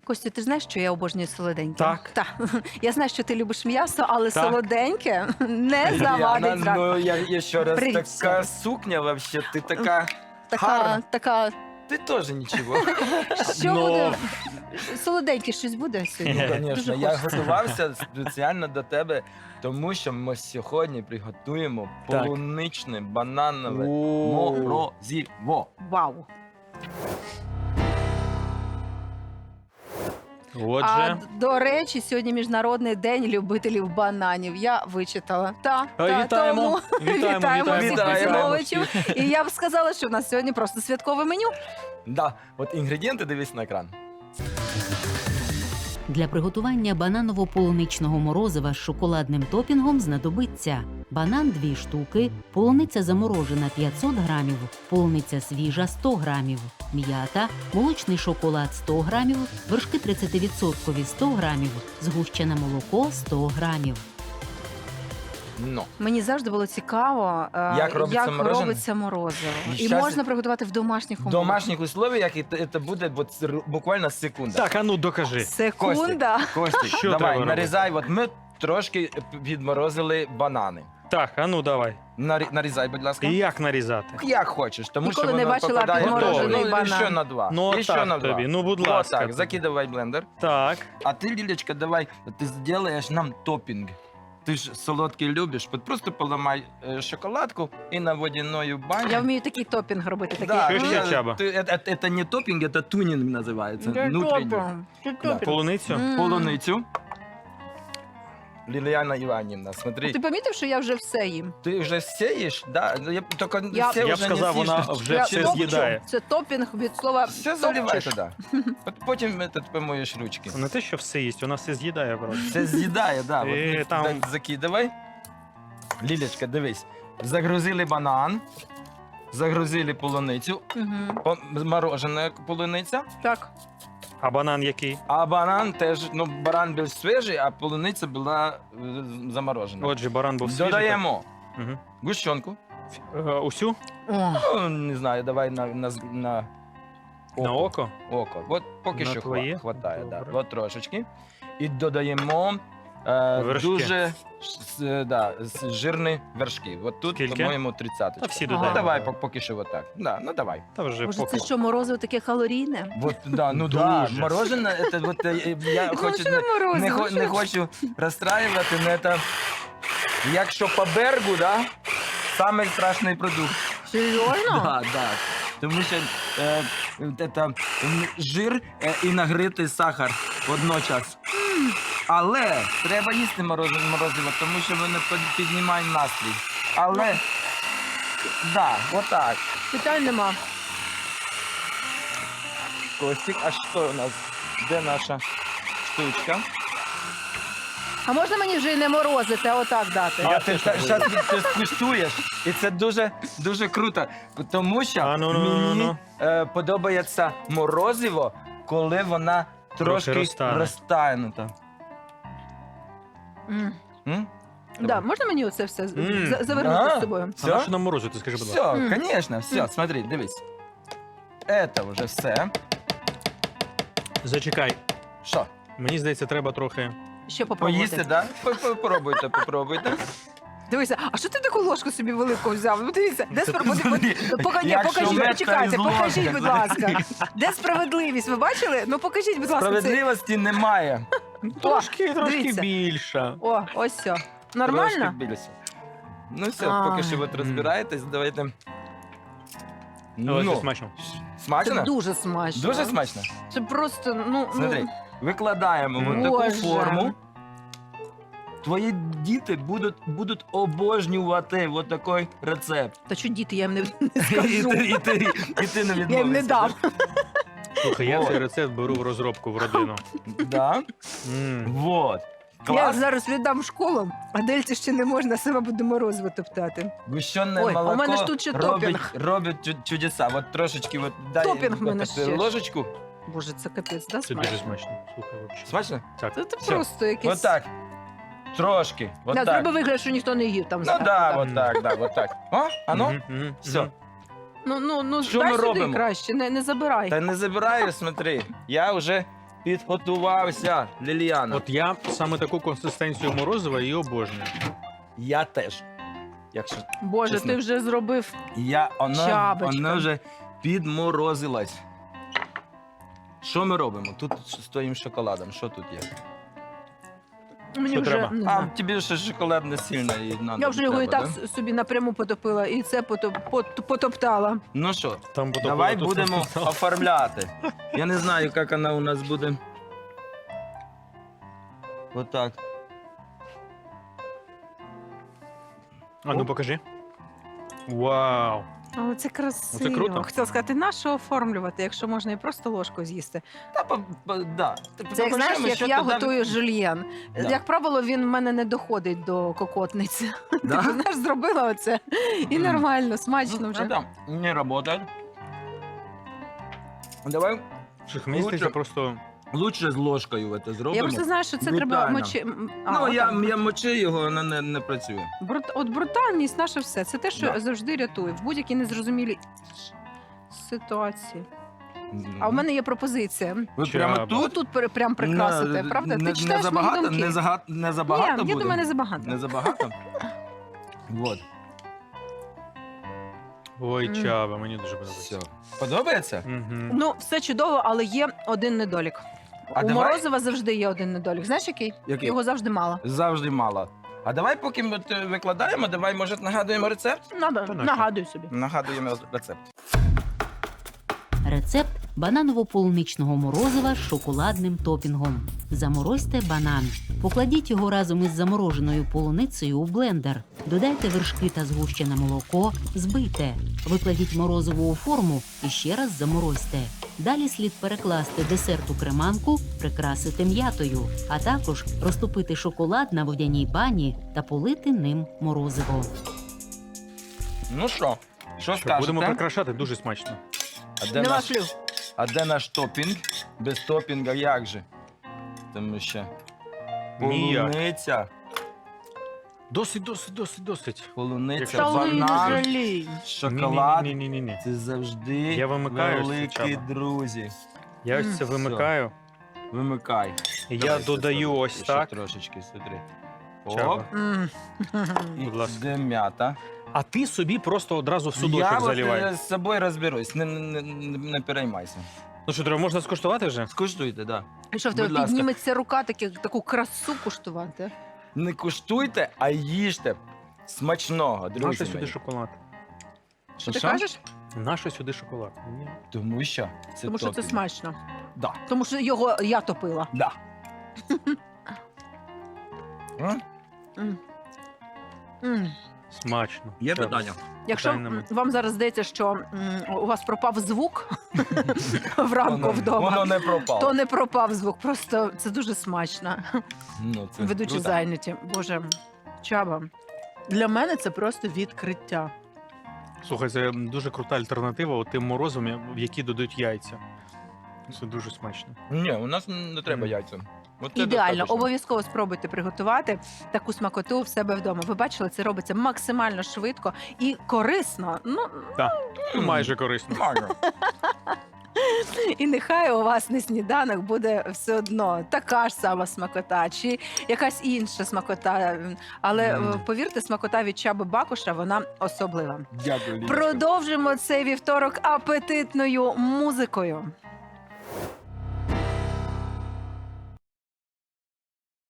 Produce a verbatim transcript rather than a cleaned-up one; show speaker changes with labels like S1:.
S1: Костю, ти знаєш, що я обожнюю солоденьке?
S2: Так.
S1: Так. Я знаю, що ти любиш м'ясо, але
S2: Так.
S1: солоденьке не завадить
S3: Яна,
S1: зранку.
S3: ну я еще раз,
S1: Привет
S3: такая
S1: всем.
S3: сукня вообще, ты такая
S1: Така,
S3: гарна.
S1: така,
S3: Ты тоже ничего.
S1: що
S2: Ну.
S1: буде? Солоденьке щось буде сьогодні?
S3: Ну, звісно,
S1: Дуже
S3: я
S1: хочеться.
S3: готувався спеціально до тебе, тому що ми сьогодні приготуємо
S2: Так.
S3: полуничне бананове
S2: О.
S3: морозиво.
S1: Вау. А,
S2: Отже,
S1: до речі, сьогодні Міжнародний день любителів бананів. Я вичитала. Та,
S2: А,
S1: та,
S2: вітаємо.
S1: тому
S2: Вітаємо,
S1: вітаємо всіх
S3: вітаємо.
S1: поціновувачів. І я б сказала, що у нас сьогодні просто святкове меню.
S3: Да, от інгредієнти дивись на екран.
S4: Для приготування бананово-полуничного морозива з шоколадним топінгом знадобиться банан дві штуки, полуниця заморожена п'ятсот грамів, полуниця свіжа сто грамів, м'ята, молочний шоколад сто грамів, вершки тридцять відсотків сто грамів, згущене молоко сто грамів.
S3: Ну,
S1: Мені завжди було цікаво, е,
S3: Як робиться
S1: як
S3: морожене?
S1: робиться морозиво.
S3: І
S1: І
S3: щас-
S1: можна приготувати в домашніх
S3: в
S1: умовах.
S3: домашніх условиях і це буде от р- буквально секунда.
S2: так, а ну докажи.
S1: Секунда.
S3: Костік,
S2: Що
S3: давай,
S2: треба
S3: нарізай. От ми трошки
S2: відморозили
S3: банани.
S2: Так, а ну давай.
S3: Нарі- Нарізай, будь ласка.
S2: І як нарізати?
S3: Як хочеш, тому
S1: Ніколи
S3: що
S1: не
S3: воно
S1: бачила
S3: попадає
S2: підморожений
S3: ну,
S1: банан.
S3: ще на два.
S2: Ну,
S3: і ще
S2: так
S3: на два.
S2: тобі, ну, будь
S3: Вот
S2: ласка.
S3: так, закидывай в блендер.
S2: Так.
S3: А ти, Лілечка, давай, ти зробиш нам топінг. Ти ж солодкий любиш, от просто поламай е, шоколадку і на водяною бані.
S1: Я вмію такий топінг робити. Такий.
S3: Да,
S2: Що ще,
S3: я-
S2: Чаба?
S3: ти- это, это не топінг, это тунінг називається.
S1: Це
S3: Внутрішній.
S1: топінг. Це
S3: Да.
S1: топінг.
S2: Полуницю?
S1: М.
S3: Полуницю. Ліліяна Іванівна,
S1: А
S3: смотри,
S1: ти помітив, що я вже все їм?
S3: ти вже сієш? Да? Я, тільки
S1: Я-
S3: все
S2: Я б
S3: вже
S2: сказав,
S3: не
S2: вона
S3: сієш.
S2: вже
S1: Я
S2: все
S1: топчу.
S2: з'їдає.
S1: Це топінг від слова
S3: Все заливай
S1: топчеш.
S3: туди. От потім этот, помоєш ручки.
S2: Не те, що все їсть, вона все з'їдає просто.
S3: Це з'їдає, да.
S2: Е,
S3: От,
S2: там-
S3: так, закидавай. Лілечка, дивись. Загрузили банан, загрузили полуницю,
S1: Мгм.
S3: по- морожена полуниця,
S1: Так.
S2: А банан який?
S3: а банан теж, ну, баран був свіжий, а полуниця була е, заморожена.
S2: Отже, баран був свіжий.
S3: Додаємо
S2: так. Мгм.
S3: гущонку.
S2: Е, Усю?
S1: О,
S3: Ну, не знаю, давай на, на, з- на
S2: На око?
S3: око. От поки
S2: На
S3: що
S2: твоє?
S3: хва- хватає, да.
S2: Добре.
S3: От трошечки. І додаємо е,
S2: Вершки.
S3: дуже с- е, да, з- жирні вершки. От тут,
S2: Скільки?
S3: по-моєму, тридцять.
S2: Та всі
S1: Ага.
S3: Ну,
S2: додаємо.
S3: давай по- поки що отак. Да, ну давай.
S2: Та вже
S1: Боже,
S2: поки.
S1: це що, морозиво таке калорійне?
S3: Вот, да, ну да,
S2: Дуже.
S3: мороженое, это вот е, я
S1: Ну,
S3: хочу,
S1: що
S3: не,
S1: морозиво?
S3: не, хо-
S1: Що?
S3: не хочу розстраювати, але це, якщо по бергу, да, самий страшний продукт.
S1: Серйозно?
S3: Да, да. Тому що е, это, м, жир е, і нагритий сахар водночас. Але треба їсти морозиво, морозиво, тому що воно під- піднімає настрій. Але, да, отак.
S1: Питань нема.
S3: Костик, а що у нас? Де наша штучка?
S1: А можна мені вже і не морозити, а отак дати?
S3: А ти зараз ти скуштуєш, і це дуже дуже круто, тому що
S2: А, ну, ну, ну,
S3: мені
S2: ну.
S3: е, подобається морозиво, коли вона трошки
S2: розтане.
S3: розтанута.
S1: М.
S3: М?
S1: Да, можна мені оце все з-
S2: М.
S1: за- завернути
S3: А.
S1: з собою?
S2: А на
S3: Все?
S2: що нам морозити, скажи, будь ласка.
S3: Все,
S1: М.
S3: звісно, все,
S1: М.
S3: смотри, дивись. Це вже все.
S2: Зачекай.
S3: Що,
S2: Мені здається, треба трохи.
S1: Ще
S3: поїсти,
S1: попробувати.
S3: да? По- Попробуйте, попробуйте.
S1: Дивися, а що ти таку ложку собі велику взяв? Ну, дивіться, де
S2: Це
S1: спро... Поди-
S3: смотри,
S1: поди- пока- ні,
S3: якщо
S1: покажіть,
S3: мед,
S1: почекайте,
S3: то із
S1: покажіть,
S3: ложки.
S1: будь ласка. Де справедливість? Ви бачили? Ну покажіть, будь ласка, це.
S3: Справедливості немає.
S2: Трошки, трошки
S1: дивіться.
S2: більше.
S1: О, ось все.
S3: Трошки
S1: Нормально?
S3: більше. Ну все,
S1: А.
S3: поки що от розбираєтесь, давайте.
S2: Але це
S3: Ну,
S2: смачно.
S1: Це
S3: смачно?
S1: дуже смачно.
S3: Дуже смачно.
S1: Це просто, ну,
S3: Смотри,
S1: ну
S3: викладаємо
S2: Мгм.
S3: в таку
S1: Боже.
S3: форму. Твої діти будуть, будуть обожнювати от такий рецепт.
S1: та що діти, я їм не, не
S3: І
S1: скажу.
S3: ти, і, ти, і ти не відмовишся.
S1: Я їм не дам.
S2: Слухай, я
S3: О.
S2: цей рецепт беру в розробку в родину.
S3: Да?
S2: М.
S3: Вот.
S1: Я
S3: Клас.
S1: зараз віддам в школу, а дельці ще не можна, сама буде морозиво топтати.
S3: Гущене
S1: Ой, а у
S3: молоко
S1: мене ж тут ще
S3: робить,
S1: топінг.
S3: робить чу- чудеса. От трошечки от, дай
S1: Топінг в мене
S3: от,
S1: ще ж.
S3: ложечку.
S1: Боже, це капець, да,
S2: Це
S1: смачно?
S2: дуже смачно. Слухай, взагалі.
S3: Смачно?
S2: Так.
S1: Це, це
S3: Всё.
S1: просто якийсь...
S3: От так. Трошки. От
S1: Да,
S3: так.
S1: зроби вигляд, що ніхто не їв там.
S3: Ну
S1: зверху,
S3: да,
S1: так.
S3: от так, да, от так. О, а ну?
S2: Мгм, мгм,
S3: Все.
S2: мгм.
S1: Ну, ну, ну,
S3: Що
S1: дай
S3: ми
S1: сюди
S3: робимо?
S1: краще, не, не забирай.
S3: Та не забираю, смотри. Я вже підготувався, Ліліана.
S2: От я саме таку консистенцію морозива і обожнюю.
S3: Я теж. Якщо
S1: Боже,
S3: чесно.
S1: ти вже зробив.
S3: я, воно,
S1: Чабочка.
S3: воно вже підморозилось. Що ми робимо? Тут з твоїм шоколадом, що тут є?
S1: Мені
S2: Що
S1: вже
S2: треба?
S1: не
S3: А
S1: знаю.
S3: тобі ще шоколад не сильно і надо.
S1: Я вже його і
S3: треба,
S1: так
S3: да?
S1: с- собі напряму потопила, і це потоп, пот- потоптала.
S3: Ну що,
S2: Там потім
S3: давай
S2: тут
S3: будемо
S2: написано.
S3: оформляти. Я не знаю, як вона у нас буде. Отак.
S2: А ну покажи. Вау!
S1: Але це красиво.
S2: круто.
S1: Хотіла сказати, на що оформлювати, якщо можна і просто ложкою з'їсти.
S3: Та, по- по- да.
S1: Це як знаєш,
S3: Покажемо,
S1: як
S3: що
S1: я
S3: туди-
S1: готую жульєн.
S3: Да.
S1: Як правило, він в мене не доходить до кокотниці.
S3: Да?
S1: Ти знаєш, зробила оце і
S3: Мгм.
S1: нормально, смачно
S3: Ну,
S1: вже.
S3: это не работает. Давай
S2: Слухай, мені
S3: Лучше-
S2: здається, просто
S3: лучше з ложкою це
S1: Я
S3: зробимо.
S1: просто знаю, що це треба
S3: Брутально.
S1: мочи. м, а,
S3: Ну,
S1: отак.
S3: я, я мочи його, воно не, не працює.
S1: Брут... От брутальність наше все. Це те, що
S3: Да.
S1: завжди рятує в будь-якій незрозумілій ситуації.
S3: Мгм.
S1: А в мене є пропозиція.
S3: Ви
S2: Чаба.
S3: прямо тут?
S1: Тут пер- прям прикрасити,
S3: Не-
S1: правда?
S3: Не,
S1: Ти
S3: не,
S1: читаєш мої
S3: забагато,
S1: думки?
S3: не, зага, не забагато
S1: Ні,
S3: буде?
S1: я думаю, не забагато.
S3: Не забагато? Вот.
S2: ой,
S1: М.
S2: чаба, мені дуже подобається.
S3: Все. Подобається?
S2: Мгм.
S1: Ну, все чудово, але є один недолік.
S3: А
S1: У
S3: давай-
S1: Морозова завжди є один недолік. Знаєш який?
S3: Який?
S1: Його завжди мало.
S3: Завжди мало. А давай, поки ми от, е, викладаємо, давай, може, нагадуємо рецепт?
S1: Надо,
S2: Та нащо?
S1: нагадуй собі.
S3: Нагадуємо рецепт.
S4: Рецепт бананово-полуничного морозива з шоколадним топінгом. Заморозьте банан. Покладіть його разом із замороженою полуницею у блендер. Додайте вершки та згущене молоко, збийте. Викладіть морозиво у форму і ще раз заморозьте. Далі слід перекласти десерт у креманку, прикрасити м'ятою, а також розтопити шоколад на водяній бані та полити ним морозиво.
S3: Ну що, що
S2: Що,
S3: скажете?
S2: будемо прикрашати, дуже смачно.
S3: А де,
S1: Нема
S3: наш,
S1: слів.
S3: а де наш топінг? Без топінга як же? Тому що
S2: Ніяк.
S3: полуниця,
S2: Досить, досить, досить, досить.
S3: полуниця,
S2: Якщо
S1: Та не
S3: банан,
S1: жалій.
S3: шоколад.
S2: Ні, ні, ні, ні.
S3: Це завжди
S2: Я вимикаю ось це,
S3: великі
S2: Чаба.
S3: друзі.
S2: Я ось це
S1: М.
S2: вимикаю.
S3: Вимикай.
S2: І я
S3: Давай,
S2: додаю
S3: ще-
S2: ось
S3: ще
S2: так.
S3: трошечки, смотри.
S2: Чаба.
S3: Оп,
S1: М.
S3: і
S2: Будь ласка.
S3: де м'ята.
S2: А ти собі просто одразу в
S3: Я
S2: судочок
S3: от,
S2: заливай.
S3: е, з собою розберусь, не, не, не, не переймайся.
S2: Ну що, треба, можна скуштувати вже?
S3: Скуштуйте, да.
S1: І що в
S3: Будь
S1: тебе
S3: ласка.
S1: підніметься рука такі, таку красу куштувати?
S3: Не куштуйте, а їжте. Смачного, друзі
S2: Нащо
S3: мої.
S2: сюди шоколад?
S1: Що ти
S3: Що?
S1: кажеш?
S2: Нащо сюди шоколад? Ні.
S3: Тому що це
S1: Тому що це
S3: топінг.
S1: смачно.
S3: Да,
S1: Тому що його я топила.
S3: да. М?
S1: М. М.
S2: Смачно.
S3: Є
S2: Чаба.
S3: питання?
S1: Якщо
S2: Питань нема.
S1: м, вам зараз здається, що м, у вас пропав звук вранку
S3: Воно-
S1: вдома,
S3: Воно не пропало.
S1: то не пропав звук. Просто це дуже смачно.
S3: Ну, це
S1: Ведучі
S3: круто.
S1: зайняті. Боже, Чаба. Для мене це просто відкриття.
S2: Слухай, це дуже крута альтернатива от тим морозом, в які додають яйця. Це дуже смачно.
S3: Ні, у нас не треба
S2: Мгм.
S3: яйця. От це
S1: Ідеально,
S3: достатньо.
S1: обов'язково спробуйте приготувати таку смакоту в себе вдома. Ви бачили, це робиться максимально швидко і корисно. Ну
S2: Ну,
S3: М.
S2: майже корисно.
S3: Нормально.
S1: і нехай у вас на сніданок буде все одно така ж сама смакота, чи якась інша смакота. Але
S3: Мгм.
S1: е, повірте, смакота від Чаби Бакуша вона особлива.
S3: Дякую, Ліночка.
S1: Продовжимо цей вівторок апетитною музикою.